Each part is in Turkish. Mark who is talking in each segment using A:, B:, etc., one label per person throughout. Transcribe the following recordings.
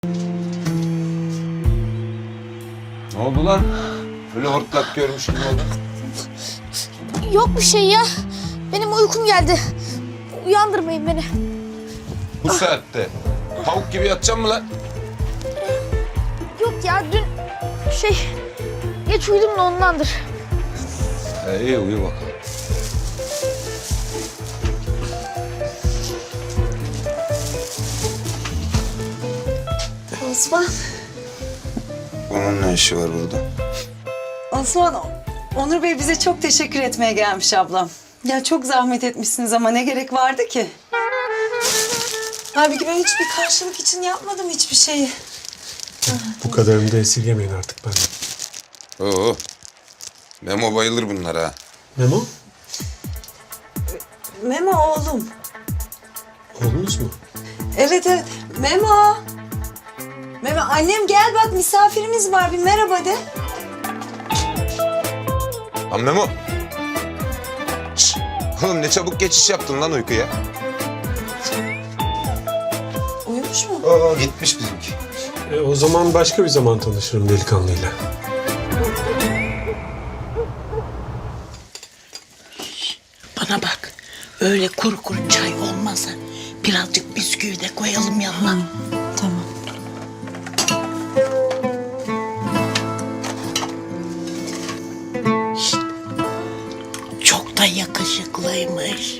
A: Ne oldu lan? Böyle hortlak görmüş gibi oldu.
B: Yok bir şey ya. Benim uykum geldi. Uyandırmayın beni.
A: Bu saatte. Tavuk gibi yatacağım mı lan?
B: Yok ya dün geç uyudum da ondandır.
A: İyi uyu bakalım.
C: Osman.
A: Onun ne işi var burada?
C: Osman, Onur Bey bize çok teşekkür etmeye gelmiş ablam. Ya çok zahmet etmişsiniz ama ne gerek vardı ki? Halbuki ben hiçbir karşılık için yapmadım hiçbir şeyi.
D: Bu kadarını da esirgemeyin artık benden.
A: Oo. Memo bayılır bunlara.
D: Memo,
C: Memo oğlum.
D: oğlunuz mu?
C: Evet evet. Memo. Memo annem gel bak misafirimiz var bir merhaba de.
A: Lan Memo. Şşş. Oğlum ne çabuk geçiş yaptın lan uykuya.
C: Uyumuş mu?
A: Gitmiş bizimki.
D: O zaman başka bir zaman tanışırım delikanlıyla.
E: Bana bak, öyle kuru kuru çay olmazsa birazcık bisküvi de koyalım yanına.
C: Tamam.
E: Çok da yakışıklıymış.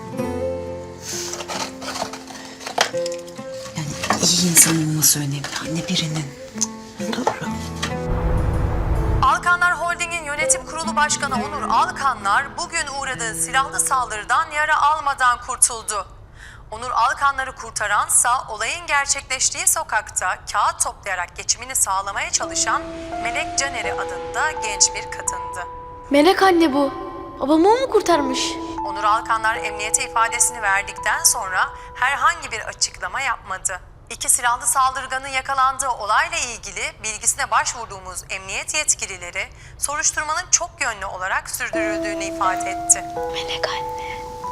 C: Yani iyi insan olması önemli anne birinin.
E: Doğru.
F: Alkanlar Holding'in yönetim kurulu başkanı Onur Alkanlar bugün uğradığı silahlı saldırıdan yara almadan kurtuldu. Onur Alkanları kurtaransa olayın gerçekleştiği sokakta kağıt toplayarak geçimini sağlamaya çalışan Melek Caner'i adında genç bir kadındı.
B: Melek anne bu. Babamı o mu kurtarmış?
F: Onur Alkanlar emniyete ifadesini verdikten sonra herhangi bir açıklama yapmadı. İki silahlı saldırganın yakalandığı olayla ilgili bilgisine başvurduğumuz emniyet yetkilileri soruşturmanın çok yönlü olarak sürdürüldüğünü ifade etti.
B: Melek anne.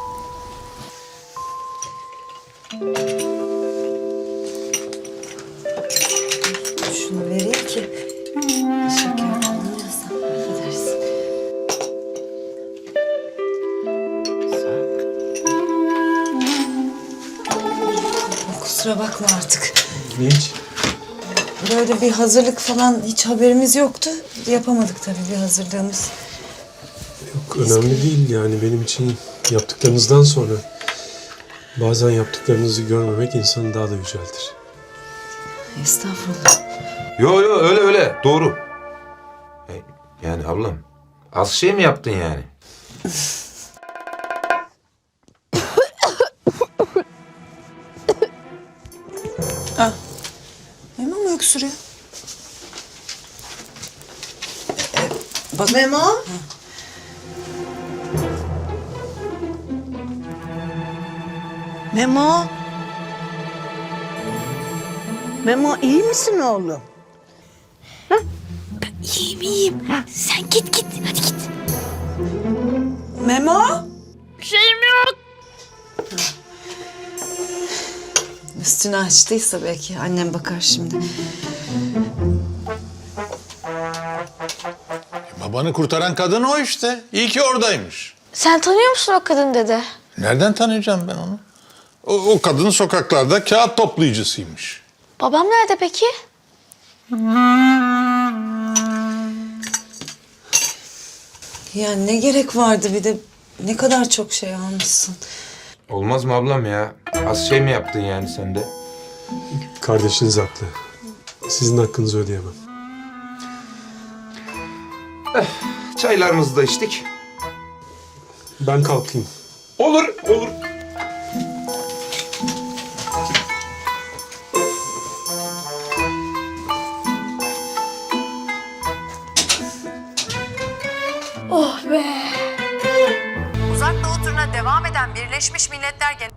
C: Şunu vereyim ki şeker alınırsa affedersin. Kusura bakma artık.
D: Hiç.
C: Böyle bir hazırlık falan hiç haberimiz yoktu. Yapamadık tabii bir hazırlığımız.
D: Yok, önemli değil yani benim için yaptıklarınızdan sonra bazen yaptıklarınızı görmemek insanı daha da yüceltir.
C: Estağfurullah.
A: Yo öyle doğru. Yani ablam az şey mi yaptın yani?
C: Memo mu öksürüyor? Bak Memo.
E: Memo.
G: Memo iyi misin oğlum?
E: İyiyim iyiyim. Sen git hadi git.
C: Memo.
B: Bir şeyim yok.
C: Üstünü açtıysa belki annem bakar şimdi.
H: Babanı kurtaran kadın o işte. İyi ki oradaymış.
B: Sen tanıyor musun o kadın dede?
H: Nereden tanıyacağım ben onu? O kadın sokaklarda kağıt toplayıcısıymış.
B: Babam nerede peki?
C: Ya ne gerek vardı bir de ne kadar çok şey almışsın.
A: Olmaz mı ablam ya? Az şey mi yaptın yani sen de?
D: Kardeşiniz haklı. Sizin hakkınızı ödeyemem.
A: Çaylarımızı da içtik.
D: Ben kalkayım.
A: Olur.
B: Oh be.
F: Uzak Doğu turuna devam eden Birleşmiş Milletler Genel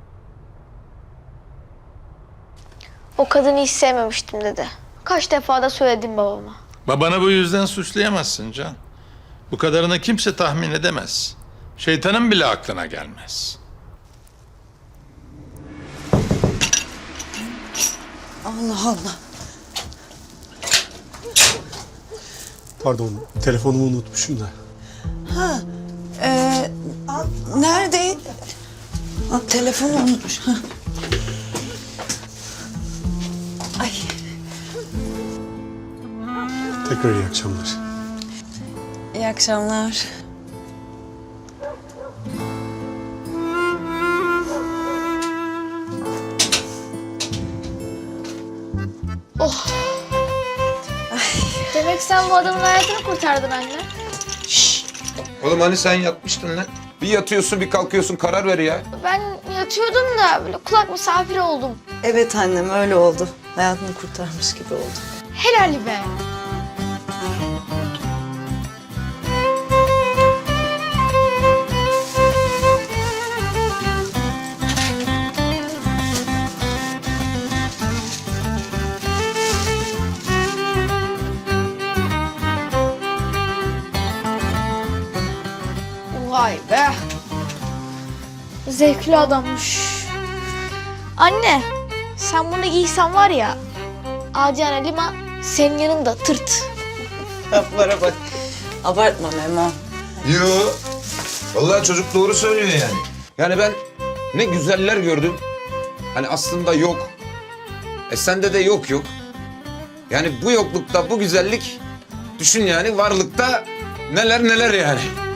B: O kadını hiç sevmemiştim dede. Kaç defa da söyledim babama.
H: Babanı bu yüzden suçlayamazsın Can. Bu kadarını kimse tahmin edemez. Şeytanın bile aklına gelmez.
C: Allah Allah.
D: Pardon, telefonumu unutmuşum da.
C: Nerede? Telefonu unutmuş. Ha. Ay.
D: Tekrar iyi akşamlar.
C: İyi akşamlar.
B: Demek sen bu adamın hayatını kurtardın anne.
A: Oğlum hani sen yatmıştın lan? Bir yatıyorsun bir kalkıyorsun, karar ver ya.
B: Ben yatıyordum da böyle kulak misafiri oldum.
C: Evet annem öyle oldu. Hayatını kurtarmış gibi oldu.
B: Helal be. Vay be. Zevkli adammış. Anne, sen bunu giysen var ya, Acil Halima senin yanında tırt.
C: Laflara bak. Abartma Memo.
A: Yo. Vallahi çocuk doğru söylüyor yani. Yani ben ne güzeller gördüm. Hani aslında yok. Sende de yok. Yani bu yoklukta bu güzellik, düşün yani varlıkta neler yani.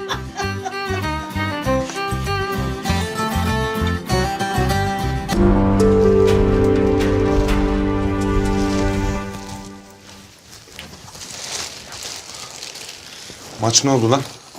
A: Maç ne oldu lan?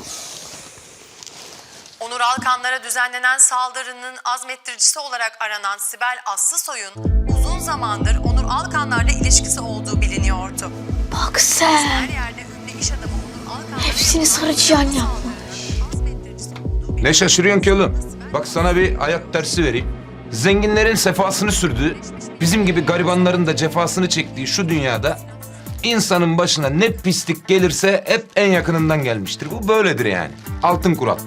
F: Onur Alkanlara düzenlenen saldırının azmettiricisi olarak aranan Sibel Aslısoy'un uzun zamandır Onur Alkanlarla ilişkisi olduğu biliniyordu.
B: Bak sen,
F: Her yerde ünlü iş adamı Onur Alkanlar'ın
B: hepsini sarıcıyan yapmış.
F: azmettiricisi olduğu
A: Ne şaşırıyorsun ki oğlum? Bak sana bir hayat dersi vereyim. Zenginlerin sefasını sürdüğü, bizim gibi garibanların da cefasını çektiği şu dünyada insanın başına ne pislik gelirse hep en yakınından gelmiştir. Bu böyledir yani. Altın kural.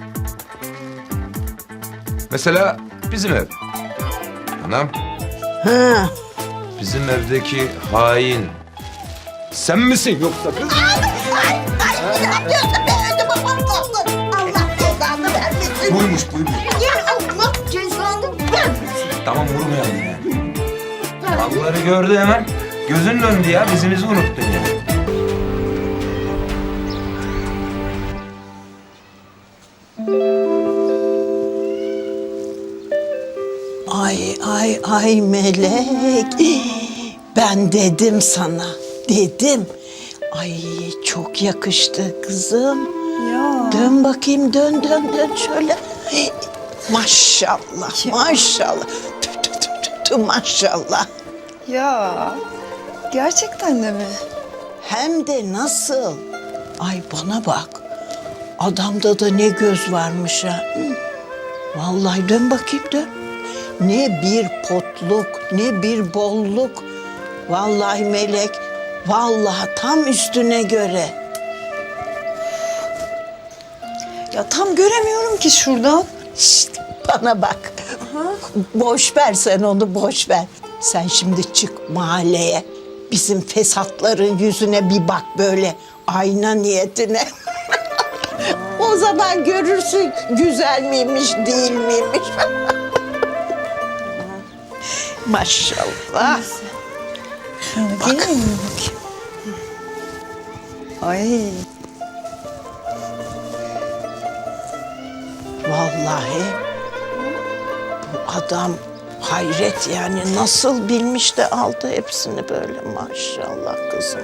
A: Mesela bizim ev. Anam,
G: Ha,
A: bizim evdeki hain sen misin yoksa kız? Buymuş. Tamam vurmayalım ya. Malları gördü hemen. Gözün döndü ya. Bizimizi unuttun ya.
G: ay Melek. Ben dedim sana. Dedim. Ay çok yakıştı kızım.
C: Ya.
G: Dön bakayım, dön şöyle. Maşallah, maşallah. Tü, maşallah.
C: Ya. Gerçekten de mi?
G: Hem de nasıl? Ay bana bak. Adamda da ne göz varmış ha. Hı. Vallahi dön bakayım dön. Ne bir potluk, ne bir bolluk. Vallahi Melek, vallahi tam üstüne göre.
C: Ya tam göremiyorum ki şuradan.
G: Şişt, bana bak. Boş ver sen onu, boş ver. Sen şimdi çık mahalleye. Bizim fesatların yüzüne bir bak böyle ayna niyetine. O zaman görürsün güzel miymiş, değil miymiş. Maşallah.
C: Şöyle geleyim mi bakayım? Ay.
G: Vallahi bu adam hayret yani nasıl bilmiş de aldı hepsini böyle maşallah kızım.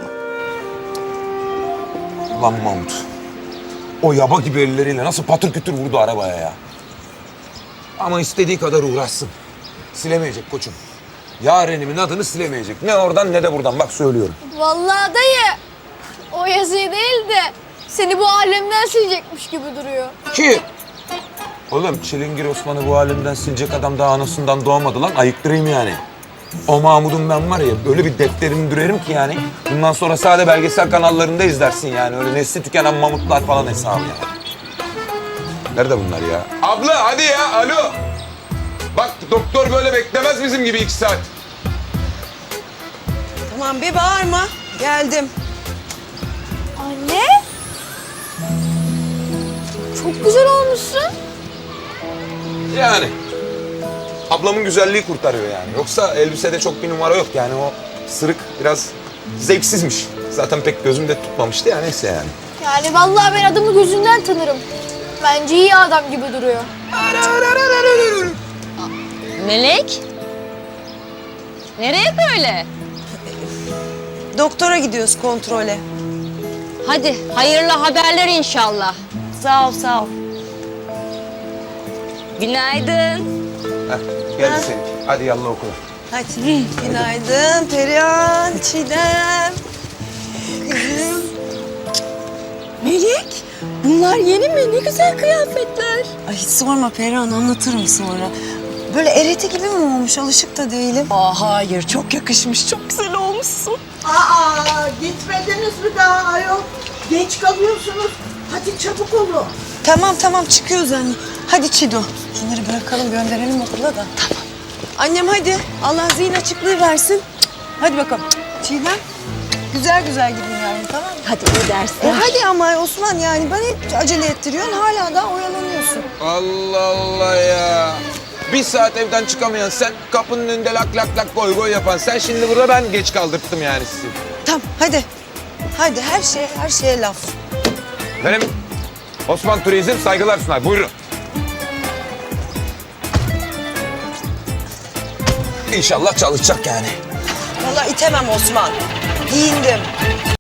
A: Lan Mahmut. O yaba gibi elleriyle nasıl patır kütür vurdu arabaya ya. Ama istediği kadar uğraşsın. Silemeyecek koçum. Yarenimin adını silemeyecek. Ne oradan ne de buradan. Bak söylüyorum.
B: Vallahi dayı, o yazıyı değil de seni bu alemden silecekmiş gibi duruyor.
A: Ki? Oğlum Çilingir Osman'ı bu alemden silecek adam daha anasından doğmadı lan. Ayıktırayım yani. O Mahmud'un ben var ya öyle bir defterini dürerim ki yani. Bundan sonra sadece belgesel kanallarında izlersin yani. Öyle nesli tükenen mamutlar falan hesabı yani. Nerede bunlar ya? Abla hadi ya alo. Bak doktor böyle beklemez bizim gibi 2 saat.
C: Tamam bir bağırma. Geldim.
B: Anne! çok güzel olmuşsun.
A: Yani. Ablamın güzelliği kurtarıyor yani. Yoksa elbisede çok bir numara yok yani. O sırık biraz zevksizmiş. Zaten pek gözümde tutmamıştı ya, neyse yani.
B: Yani vallahi ben adamı gözünden tanırım. Bence iyi adam gibi duruyor.
I: Melek? Nereye böyle?
C: Doktora gidiyoruz kontrole.
I: Hadi hayırlı haberler inşallah.
C: Sağ ol, sağ ol.
I: Günaydın.
A: Heh, geldi senin. Hadi yallah okula.
C: Hadi. Günaydın Perihan, Çiğdem. Kızım.
I: Melek, bunlar yeni mi? Ne güzel kıyafetler.
C: Ay hiç sorma Perihan, anlatırım sonra. Böyle ereti gibi mi olmuş? Alışık da değilim.
I: Hayır, çok yakışmış, çok güzel olmuşsun.
G: Aa, gitmediniz mi daha ayol? Geç kalıyorsunuz. Hadi çabuk olun.
C: Tamam çıkıyoruz anne. Hadi Çido. Şunları bırakalım, gönderelim okula da. Tamam. Annem hadi. Allah zihin açıklığı versin. Hadi bakalım. Çiğdem. Güzel gidin yani, tamam mı?
I: Hadi iyi dersler.
C: Hadi ama Osman, yani bana hep acele ettiriyorsun. Hala daha oyalanıyorsun.
A: Allah Allah ya. Bir saat evden çıkamayan sen, kapının önünde lak lak lak goy goy yapan sen, şimdi burada ben geç kaldırttım yani sizi.
C: Tamam hadi. Hadi her şeye laf.
A: Benim Osman Turizm saygılar sunar. Buyurun. İnşallah çalışacak yani.
C: Vallahi itemem Osman. Giyindim.